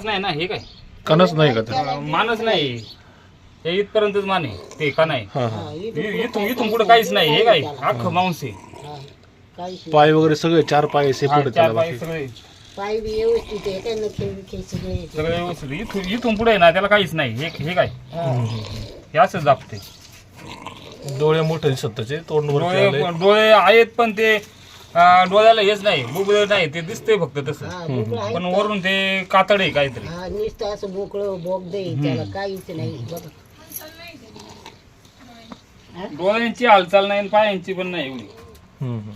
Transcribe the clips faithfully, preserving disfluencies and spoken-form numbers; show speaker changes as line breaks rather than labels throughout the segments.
कणच नाही ना हे काय
कणच नाही का ते?
मानच नाही हे इथपर्यंतच मान आहे ते का नाही
हा हा
इथून इथून पुढे काहीच नाही हे काय अख्खं मांस आहे
हा, काहीच नाही.
पाय वगैरे सगळे चार पाय
हा,
सेपरेट
चार
त्याला
पाय
बाकी.
सगळे
पाय बी व्यवस्थित आहे काय नखे बिखे सगळे येते.
सगळे व्यवस्थित इथून इथून पुढे ना त्याला काहीच नाही हे हे काय हे असंच दाबते
डोळे मोठे दिसत त्याचे तोंड वरती आलंय.
डोळे डोळे आहेत पण ते अं, डोळ्याला हेच नाही बुबुळ नाही ते दिसतंय फक्त तसं
हा मोकळं आहे
पण वरून ते कातड आहे काहीतरी
हा नुसतं असं मोकळं बोगद आहे त्याला काहीच नाही बघा
डोळ्यांची हालचाल नाही आणि पायांची पण नाही एवढी
हम्म, हम्म.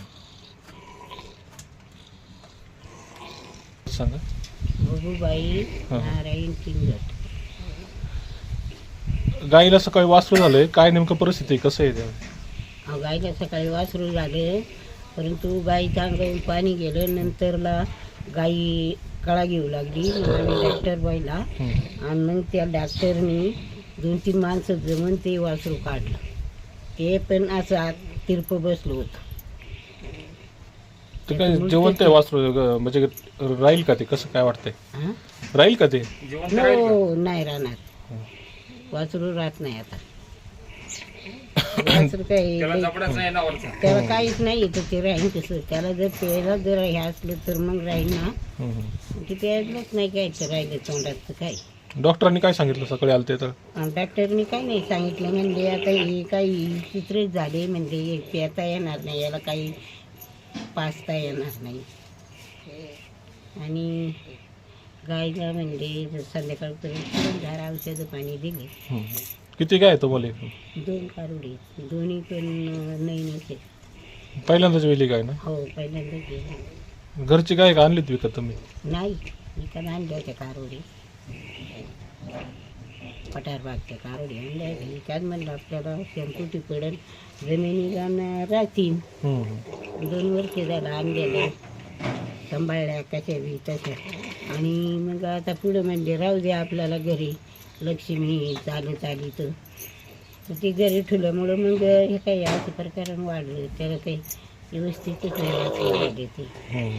सांगा
बघूबाई
हा.
नारायण किंगट
गाईला सकाळी वासरू झालंय काय नेमकं परिस्थिती आहे? कसं आहे ते?
अहो, गाईला सकाळी वासरू झाले परंतु गाईच्या अंगावरून पाणी गेलं नंतरला गाई कळा घेऊ लागली मग आम्ही डॉक्टर बाईला
हम्म.
आणि मग त्या डॉक्टरनी दोन तीन माणसं जमून ते वासरू काढलं ते पण असं आत तिरप बसलं होतं
ते काय जिवंत आहे वासरू ग- म्हणजे राहील का ते? कसं काय वाटतंय?
हा?
राहील का ते?
जिवंत राहील का?
हो नाही राहणार वासरू राहत नाही आता वासरू काही
त्याला जबडाच नाही ना वरचा
त्याला काहीच नाही तर ते राहीन कसं त्याला जर प्यायला जर हे असलं तर मग राहील ना
हम्म, हम्म.
ते प्यायलाच नाही घ्यायचं राहिलं तोंडात तर काय
डॉक्टरांनी काय सांगितलं सकाळी आलते तर?
आणि डॉक्टरनी काही नाही सांगितलं म्हणजे आता हे काही चित्रच झाले म्हणजे हे प्याता येणार नाही याला काही पाचता येणार नाही आणि गायला म्हणजे जर संध्याकाळपर्यंत झाड औषधं पाणी दिले
हम्म. किती काय आहे तुम्हाला एकूण?
दोन कारुडे दोन्ही पण नाही नसे
पहिल्यांदाच वेली काय ना?
हो पहिल्यांदा गेले
घरची गाय का आणलीत विकत तुम्ही?
नाही विकत आणल्या होत्या कारोडी पठार बागच्या कारोडी आणल्या विकत म्हणलं आपल्याला शेणकुटी पडेल जमिनीला न राहतील
हम्म.
दोन वर्ष झालं आणलेलं सांभाळल्या कशा बी तशा आणि मग आता पुढं म्हणजे राहू दे आपल्याला घरी लक्ष्मी चालत आली तर तर ते घरी ठेवल्यामुळं मग हे काही असं प्रकारानं वाढलं त्याला काही व्यवस्थितच नाही असं वाढले ते
हम्म.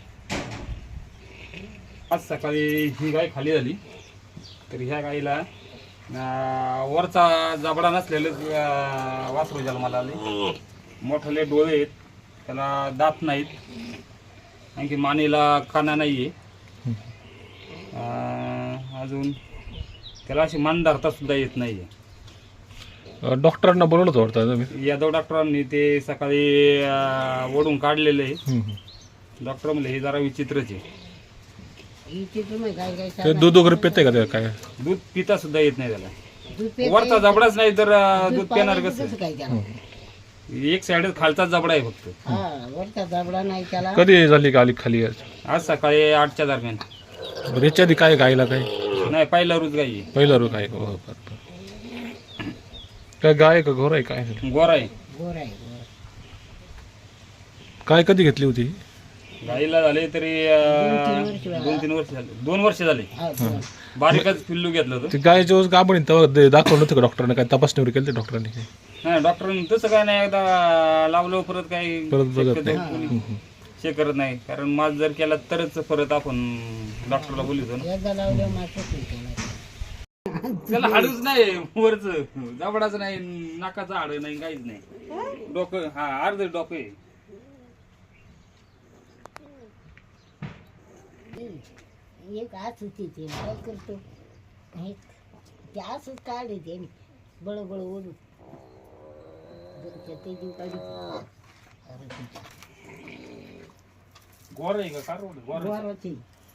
आज सकाळी ही गाय खाली झाली तर ह्या गाईला अं, वरचा जबडा नसलेलं अं, वासरू जन्माला आले मोठाले डोळे आहेत त्याला दात नाहीत आणखी मानेला काना नाही आहे अजून त्याला अशी मान धरता सुद्धा येत नाही
अं, डॉक्टरांना बोलवलं होतं वाटतं तुम्ही?
यादव डॉक्टरांनी ते सकाळी अं, ओढून काढलेलं आहे
हम्म.
डॉक्टर म्हणले हे जरा विचित्रच आहे
इथे तुम्ही काय काय
ते दूध वगैरे पिते का ते काय?
दूध पिता सुद्धा येत नाही त्याला
दूध पेता
वरचा
येत
जबडाच नाही तर अं, दूध पिणार
पाण्याचं
कसं
कसं काय त्याला
एक साइड खालचा जबडा आहे फक्त
हा वरचा जबडा नाही त्याला
कधी झाली का आली खाली आज?
आज सकाळी आठच्या दरम्यान
बरं, याच्या आधी काय गायला काय?
नाही पहिला रोज गाई आहे.
पहिला रो काय? हो, बरं, बरं. काय गाय आहे का घोर आहे काय?
गोरा आहे
गोर आहे गोर
काय कधी घेतली होती?
गाईला झाले तरी
दोन तीन
अं,
वर्ष झाले.
दोन तीन वर्ष झाले दोन वर्ष झाले
हा, दोन.
बारीकच पिल्लू घेतलं होतं
ती गाय जेव्हा गाभण तेव्हा दे- दाखवलं नव्हतं का डॉक्टरने? काय तपासणी वगैरे केली होती डॉक्टरांनी काय?
नाही डॉक्टरांनी तसं काय नाही एकदा लावलं परत काही
परत बघत
शक्यतो
नाही.
कोणी
हम्म, हम्म.
चेक करत नाही कारण माझ जर केला तरच परत आपण डॉक्टरला बोलतो ना
एकदा लावल्या मात्र त्याला
त्याला हाडूच नाही वरच जबडाच नाही नाकाचं हाड नाही काहीच नाही डोकं हा अर्ध डोकं आहे
एक आज होती ते काय करतो हे ते असंच काढले ते बळ बळ ओढून ते देऊ काढली
गोर आहे का कार गोर
गोराची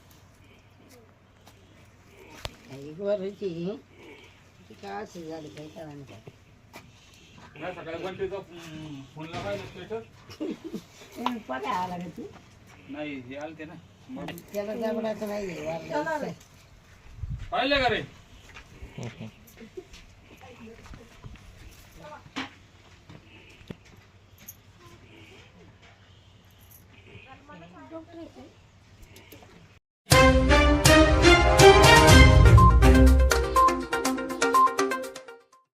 गोराची ती काय असं झालं काय कळलं काय
सकाळी बंटीचा फोन लावायला
पगार आला का तू
नाही हे आलते ना मग
त्याला जबडाचं नाही वारला
पाहिले का रे
हम्म, हम्म.